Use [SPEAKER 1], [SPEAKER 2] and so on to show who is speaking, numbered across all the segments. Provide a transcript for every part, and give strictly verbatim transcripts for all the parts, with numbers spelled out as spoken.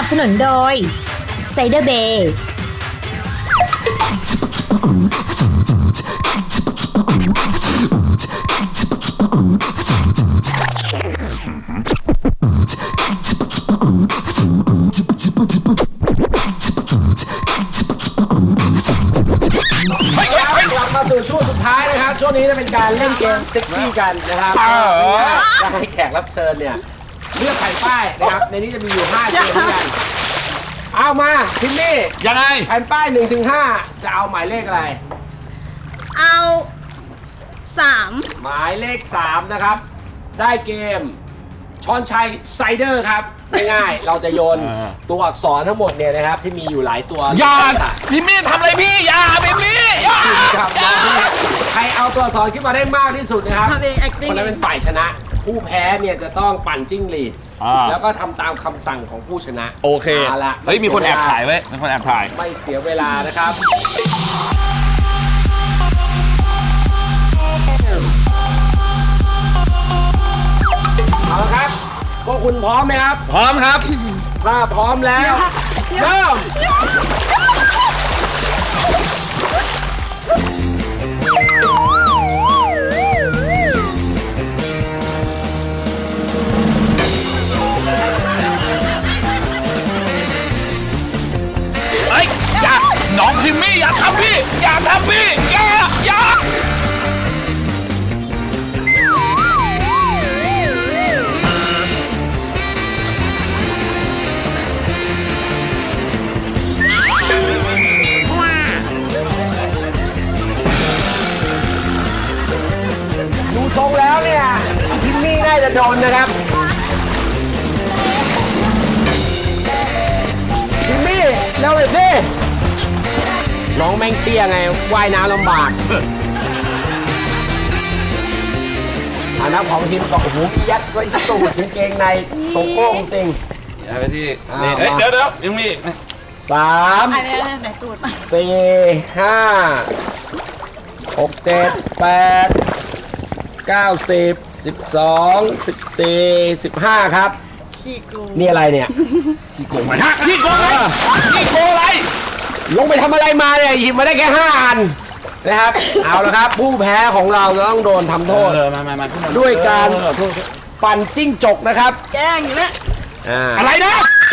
[SPEAKER 1] บสนุนโดยไซเดอร์เบย์
[SPEAKER 2] กลับมาสู่ช่วงสุดท้ายนะครับช่วงนี้จะเป็นการเล่นเกมเซ็กซี่กันนะครับจะให้แขกรับเชิญเนี่ยเลือกแผ่นป้ายนะครับในนี้จะมีอยู่ห้าเกมด้วยกันเอามาพิมมี่
[SPEAKER 3] ยังไง
[SPEAKER 2] แผ่นป้ายหนึ่งถึงห้าจะเอาหมายเลขอะไร
[SPEAKER 4] เอาสาม
[SPEAKER 2] หมายเลขสามนะครับได้เกมช้อนชัยไซเดอร์ครับง่ายๆเราจะโยนตัวอักษรทั้งหมดเนี่ยนะครับที่มีอยู่หลายตัว
[SPEAKER 3] อย่าพี่มี่ทำอะไรพี่อย่าพี่มี่อย่า
[SPEAKER 2] ครับใครเอาตัวอักษรขึ้นมาได้มากที่สุดนะครับ
[SPEAKER 4] ทำเอง acting
[SPEAKER 2] คนนั้นเป็นฝ่ายชนะ ผู้แพ้เนี่ยจะต้องปั่นจิ้งหรีดแล้วก็ทำตามคำสั่งของผู้ชนะ
[SPEAKER 3] โอเค
[SPEAKER 2] เอาละ
[SPEAKER 3] เฮ้ยมีคนแอบถ่ายไว้มีคนแอบถ่าย
[SPEAKER 2] ไม่เสียเวลานะครับเอาละครับพวกคุณพร้อมไหมครับ
[SPEAKER 3] พร้อมครับ
[SPEAKER 2] ถ้าพร้อมแล้วเริ่ม
[SPEAKER 3] เฮ้ยอย่าน้องพิมมี่อย่าทำพี่อย่าทำพี่อย่าอย่า
[SPEAKER 2] ดูทรงแล้วเนี่ยพิมมี่น่าจะโดนนะครับพิมมี่เร็วเลยสิน้องแม่งเตี้ยไงว่ายน้ำลำบากอันนั้นของทีมก็โอ้โหยัดไว้สูดกางเกงในโซโก้จริง
[SPEAKER 3] อย่าไปที่
[SPEAKER 2] อ่า
[SPEAKER 3] นี่เฮ้ย
[SPEAKER 2] มา
[SPEAKER 3] เดี๋ยวเดี๋ยวพิมมี่
[SPEAKER 2] สาม
[SPEAKER 4] อันนี้ไหนตูดมา
[SPEAKER 2] สี่ห้าหกเจ็ดแปดเก้าสิบสิบสองสิบสี่สิบห้าครับ
[SPEAKER 4] ขี้กู
[SPEAKER 2] นี่อะไรเนี่ย
[SPEAKER 3] พี่โกงมาฮะพี่โกงอะไรพี่โกงอะไร
[SPEAKER 2] ลงไปทำอะไรมาเนี่ยหยิบมาได้แค่ห้าอันนะครับ เอาละครับ ผู้แพ้ของเราจะต้องโดนทำโทษ
[SPEAKER 3] เออมามามาขึ้นมา
[SPEAKER 2] ด้วยการ
[SPEAKER 3] เออโทษ
[SPEAKER 2] ปั่นจิ้งจกนะครับ
[SPEAKER 4] แกล้งอยู่เนี่ย
[SPEAKER 2] อ่า
[SPEAKER 3] อะไรนะ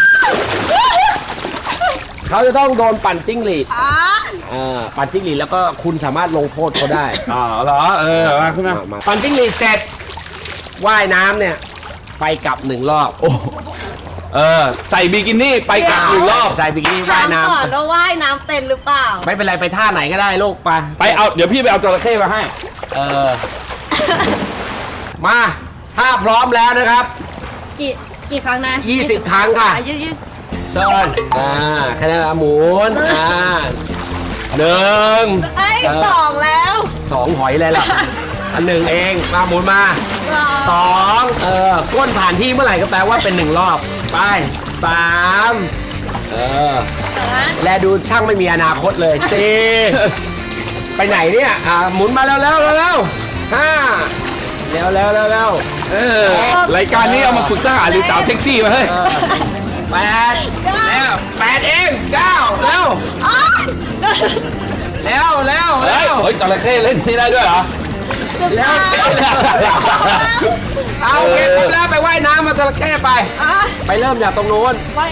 [SPEAKER 2] เขาจะต้องโดนปั่นจิ้งหรีด
[SPEAKER 4] อ่า
[SPEAKER 2] อ่าปั่นจิ้งหรีดแล้วก็คุณสามารถลงโทษเขาได้
[SPEAKER 3] อ๋อเหรอเออมาขึ้นมา
[SPEAKER 2] มาปั่นจิ้งหรีดเสร็จว่ายน้ำเนี่ยไปกลับหนึ่งรอบ
[SPEAKER 3] โอ้เออใส่บิกินี่ไปกลับอีกรอบ
[SPEAKER 2] ใส่บิกินี่
[SPEAKER 4] ถา
[SPEAKER 2] ว่าย
[SPEAKER 4] ม
[SPEAKER 2] น้
[SPEAKER 4] ก่อนว่าว่ายน้ำเป็นหรือเปล่า
[SPEAKER 2] ำไม่เป็นไรไปท่าไหนก็ได้ลูกไป
[SPEAKER 3] ไปเอาเดี๋ยวพี่ไปเอาจระเข้มาให้
[SPEAKER 2] เออ มาถ้าพร้อมแล้วนะครับ
[SPEAKER 4] กี่กี่ครั้งนะ
[SPEAKER 2] ยี่สิบครั้งค่ะ
[SPEAKER 4] ยี่สิบ
[SPEAKER 2] เชิญอ่าแค่นั้นละหมุนอ่าหนึ่ง
[SPEAKER 4] ไอ้ยสองแล้ว
[SPEAKER 2] สองหอยเลยล่ะ อันหนึ่งเองมาหมุนมาสองเออก้นผ่านที่เมื่อไหร่ก็แปลว่าเป็นหนึ่งรอบไปสามเออและดูช่างไม่มีอนาคตเลยสี่ไปไหนเนี่ยอ่าหมุนมาแล้วแล้วแล้วห้าเร็วเร็วเร็วเร็ว
[SPEAKER 3] เออรายการนี้เอามาฝึกทหารหรือสาวเซ็กซี่มาเฮ้ย
[SPEAKER 2] เออแปดแล้วแปดเองเก้าเร็วเร็วเร็ว
[SPEAKER 3] เฮ้
[SPEAKER 2] เร็
[SPEAKER 3] ยว เฮ้ยจระเข้เล่นนี่ได้ด้วยเหรอ
[SPEAKER 2] เร็วเอาโอเคครบแล้วไปว่ายน้ำมาจระเข้ไป
[SPEAKER 4] อ่ะ
[SPEAKER 2] ไปเริ่มจากตรงนู้น
[SPEAKER 4] ว่าย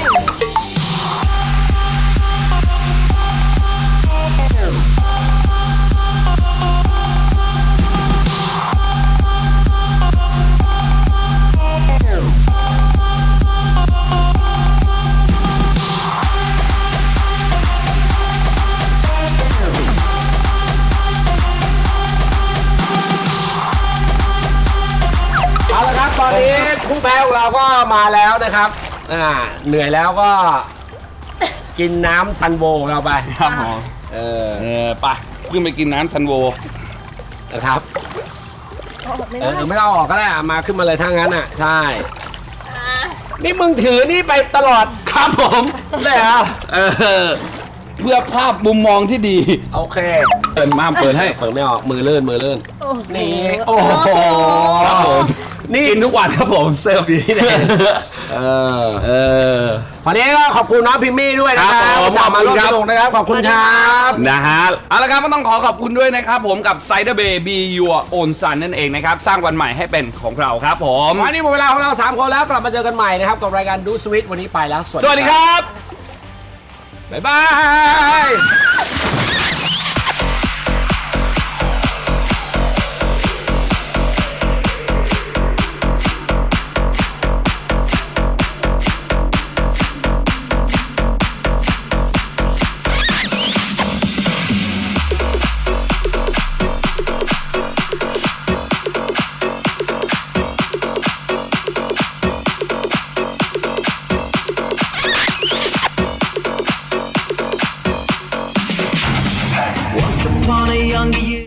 [SPEAKER 2] เอาละครับตอนนี้ผู้แพ้ของเราก็มาแล้วนะครับอ่าเหนื่อยแล้วก็กินน้ำซันโวของเราไป
[SPEAKER 3] ครับผม
[SPEAKER 2] เออ
[SPEAKER 3] เออไปขึ้นไปกินน้ำซันโว
[SPEAKER 2] นะครับ
[SPEAKER 4] ไม่
[SPEAKER 2] เอ
[SPEAKER 4] ได้
[SPEAKER 2] อไม่ต้องออกก็ได้อ่ะมาขึ้นมาเลยถ้างั้นอ่ะใช่นี่มึงถือนี่ไปตลอด
[SPEAKER 3] ครับผม
[SPEAKER 2] เลยเหรอ
[SPEAKER 3] เออเพื่อภาพมุมมองที่ดี
[SPEAKER 2] โอเค
[SPEAKER 3] เปิดม่ามเปิดให้
[SPEAKER 2] เปิดไม่ออกมือเลื่อนมือเลื่อน
[SPEAKER 4] โอ้โห
[SPEAKER 2] นี่โอ้โห
[SPEAKER 3] ครับผม
[SPEAKER 2] นี่
[SPEAKER 3] กินทุกวันครับผม
[SPEAKER 2] เสิร์ฟอยู่ที่ไหนเออ
[SPEAKER 3] เออ
[SPEAKER 2] วันนี้ก็ขอบคุณน้องพิมมี่ด้วยนะค
[SPEAKER 3] ครั
[SPEAKER 2] รับบ
[SPEAKER 3] ผม
[SPEAKER 2] สามมาร่วม
[SPEAKER 3] ขอบคุณครับ
[SPEAKER 2] สนุกนะครับ ขอบคุณครับ
[SPEAKER 3] นะฮะเอาละครับก็ต้องขอขอบคุณด้วยนะครับผมกับ Cider Bay Be Your Own Sun นั่นเองนะครับ สร้างวันใหม่ให้เป็นของเราครับผม
[SPEAKER 2] วันนี้หมดเวลาของเราสามคนแล้วกลับมาเจอกันใหม่นะครับกับรายการดูสวิตวันนี้ไปแล้ว
[SPEAKER 3] สวัสดีครับ
[SPEAKER 2] บ๊ายบาย